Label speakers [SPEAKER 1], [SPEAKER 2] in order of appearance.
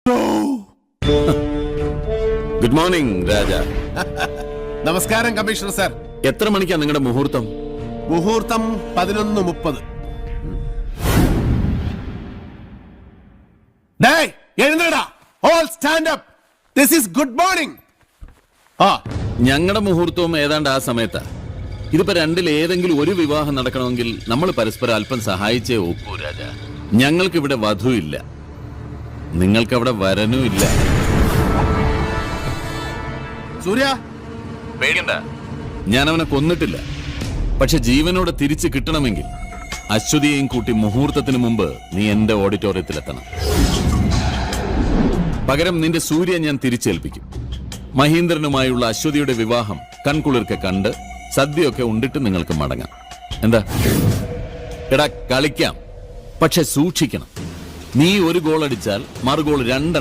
[SPEAKER 1] Good morning രാജ.
[SPEAKER 2] നമസ്കാരം commissioner sir.
[SPEAKER 1] എത്ര മണിക്കാ നിങ്ങളുടെ മുഹൂർത്തം?
[SPEAKER 2] മുഹൂർത്തം 11:30. എഴുന്നേടാ, all stand up. This is good morning.
[SPEAKER 1] ഞങ്ങളുടെ മുഹൂർത്തവും ഏതാണ്ട് ആ സമയത്താ. ഇതിപ്പോ രണ്ടിൽ ഏതെങ്കിലും ഒരു വിവാഹം നടക്കണമെങ്കിൽ നമ്മൾ പരസ്പരം അല്പം സഹായിച്ചേ ഒക്കൂ രാജ. ഞങ്ങൾക്കിവിടെ വധു ഇല്ല, നിങ്ങൾക്കവിടെ വരനും ഇല്ല.
[SPEAKER 2] സൂര്യ,
[SPEAKER 1] പേടിക്കണ്ട, ഞാൻ അവനെ കൊന്നിട്ടില്ല. പക്ഷെ ജീവനോടെ തിരിച്ചു കിട്ടണമെങ്കിൽ അശ്വതിയെയും കൂട്ടി മുഹൂർത്തത്തിന് മുമ്പ് നീ എന്റെ ഓഡിറ്റോറിയത്തിലെത്തണം. പകരം നിന്റെ സൂര്യ ഞാൻ തിരിച്ചേൽപ്പിക്കും. മഹീന്ദ്രനുമായുള്ള അശ്വതിയുടെ വിവാഹം കൺകുളിർക്കെ കണ്ട് സദ്യയൊക്കെ ഉണ്ടിട്ട് നിങ്ങൾക്ക് മടങ്ങാം. എന്താ? എടാ, കളിക്കാം, പക്ഷെ സൂക്ഷിക്കണം. നീ ഒരു ഗോൾ അടിച്ചാൽ മറുഗോൾ 2